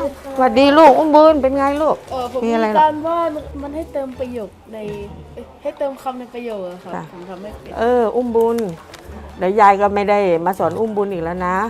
สวัสดีลูกอุ้มบุญเป็นไงลูกผมมีการว่ามันให้เติมประโยคในให้เติมคำในประโยคอะครับผมทำไม่เป็นอุ้มบุญเดี๋ยวยายก็ไม่ได้มาสอนอุ้มบุญอีกแล้วนะ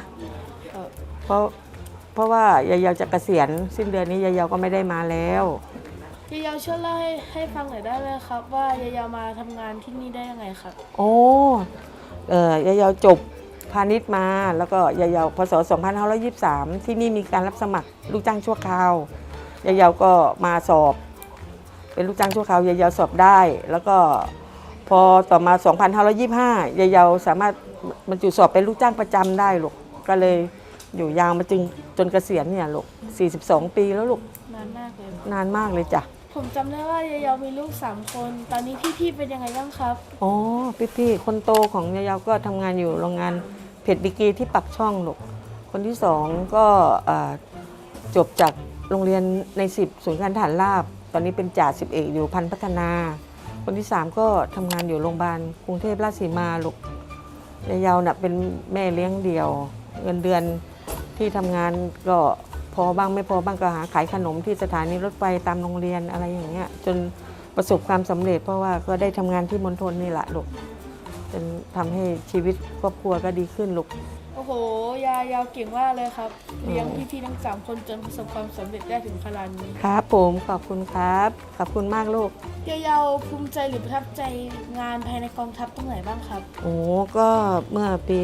เพราะว่ายายจะเกษียณสิ้นเดือนนี้ยายก็ไม่ได้มาแล้วยายช่วยเล่าให้ฟังหน่อยได้ไหมครับว่ายายมาทำงานที่นี่ได้ยังไงครับโอ้ยายจบพาณิชย์มาแล้วก็ยายพศ2523ที่นี่มีการรับสมัครลูกจ้างชั่วคราวยายก็มาสอบเป็นลูกจ้างชั่วคราวยายสอบได้แล้วก็พอต่อมา2525ยายสามารถบรรจุสอบเป็นลูกจ้างประจำได้ลูกก็เลยอยู่ยาวมาจนเกษียณเนี่ยลูก42 ปีแล้วลูกนานมากเลยนานมากเลยจ้ะผมจำได้ว่ายายมีลูก3 คนตอนนี้พี่ๆเป็นยังไงบ้างครับอ๋อพี่คนโตของยายก็ทำงานอยู่โรงงานเพชรดิกีที่ปักช่องลูกคนที่2ก็จบจากโรงเรียนใน10ศูนย์การทหารราบตอนนี้เป็นจ่า10เอกอยู่พันพัฒนาคนที่3ก็ทำงานอยู่โรงพยาบาลกรุงเทพราชสีมาลูกยายน่ะเป็นแม่เลี้ยงเดี่ยวเงินเดือนที่ทำงานก็พอบ้างไม่พอบ้างก็หาขายขนมที่สถานีรถไฟตามโรงเรียนอะไรอย่างเงี้ยจนประสบความสำเร็จเพราะว่าก็ได้ทำงานที่มณฑลนี่แหละลูกจนทำให้ชีวิตครอบครัวก็ดีขึ้นลูกโอ้โหยาวเก่งมากเลยครับเลี้ยงพี่ๆทั้ง3 คนจนประสบความสำเร็จได้ถึงขนาดนี้ครับผมขอบคุณครับขอบคุณมากลูกยาวภูมิใจหรือประทับใจงานภายในกองทัพตรงไหนบ้างครับโอ้ก็เมื่อปี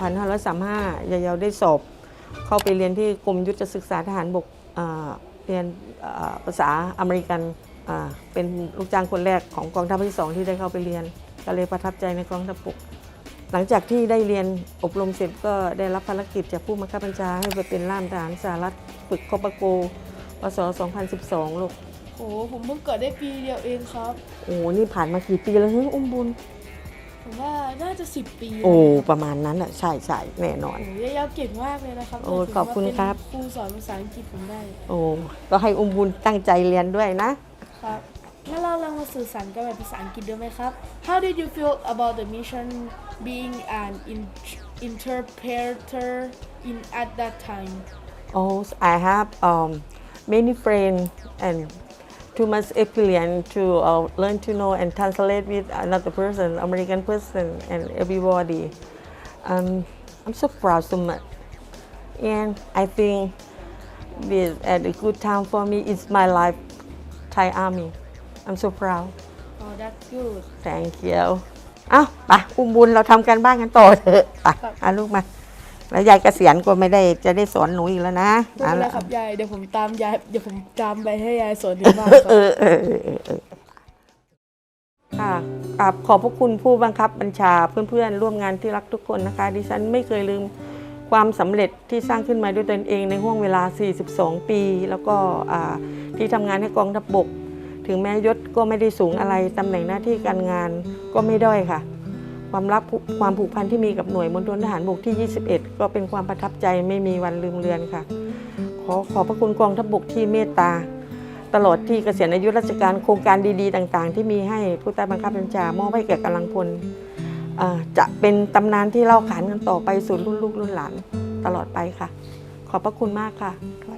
2535ยายได้สอบเข้าไปเรียนที่กรมยุทธศึกษาทหารบกเรียนภาษาอเมริกันเป็นลูกจ้างคนแรกของกองทัพที่2ที่ได้เข้าไปเรียนก็เลยประทับใจในกองทัพบกหลังจากที่ได้เรียนอบรมเสร็จก็ได้รับภารกิจจากผู้บังคับบัญชาให้ไปเป็นล่ามทหารสหรัฐฝึกคอปโกปศ2012ลูกโอ้ผมเพิ่งเกิดได้ปีเดียวเองครับโอ้นี่ผ่านมากี่ปีแล้วเฮ้ยอุ้มบุญผมว่าน่าจะ10 ปีโอ้ประมาณนั้นอ่ะใช่แน่นอนโอ้ยาวเก่งมากเลยนะครับโอ้ขอบคุณครับครูสอนภาษาอังกฤษผมได้โอ้ก็ให้อุ้มบุญตั้งใจเรียนด้วยนะครับงั้นเราลองมาสื่อสารกันแบบภาษาอังกฤษดูไหมครับ How did you feel about the mission being an interpreter in at that time Oh I have many friends and too much experience to learn to know and translate with another person, American person, and everybody. I'm so proud so much, and I think this at a good time for me. It's my life, Thai Army. I'm so proud. Oh, that's good. Thank you. ไปอุ้มบุญเราทำกันบ้านกันต่อเถอะไปลูกมาแล้วยายเกษียณก็ไม่ได้จะได้สอนหนูอีกแล้วนะไม่เป็นไรครับยายเดี๋ยวผมตามไปให้ยายสอนที่บ้านครับค่ะขอบพระคุณผู้บังคับบัญชาเพื่อนๆร่วมงานที่รักทุกคนนะคะดิฉันไม่เคยลืมความสำเร็จที่สร้างขึ้นมาด้วยตนเองในห่วงเวลา42 ปีแล้วก็ที่ทำงานให้กองทัพบกถึงแม้ยศก็ไม่ได้สูงอะไรตำแหน่งหน้าที่การงานก็ไม่ด้อยค่ะความผูกพันที่มีกับหน่วยมณฑลทหารบกที่21ก็เป็นความประทับใจไม่มีวันลืมเลือนค่ะขอบพระคุณกองทัพบกที่เมตตาตลอดที่เกษียณอายุราชการโครงการดีๆต่างๆที่มีให้ผู้ใต้บังคับบัญชามอบให้แก่กำลังพลจะเป็นตำนานที่เล่าขานกันต่อไปสู่รุ่นลูกรุ่นหลานตลอดไปค่ะขอบพระคุณมากค่ะ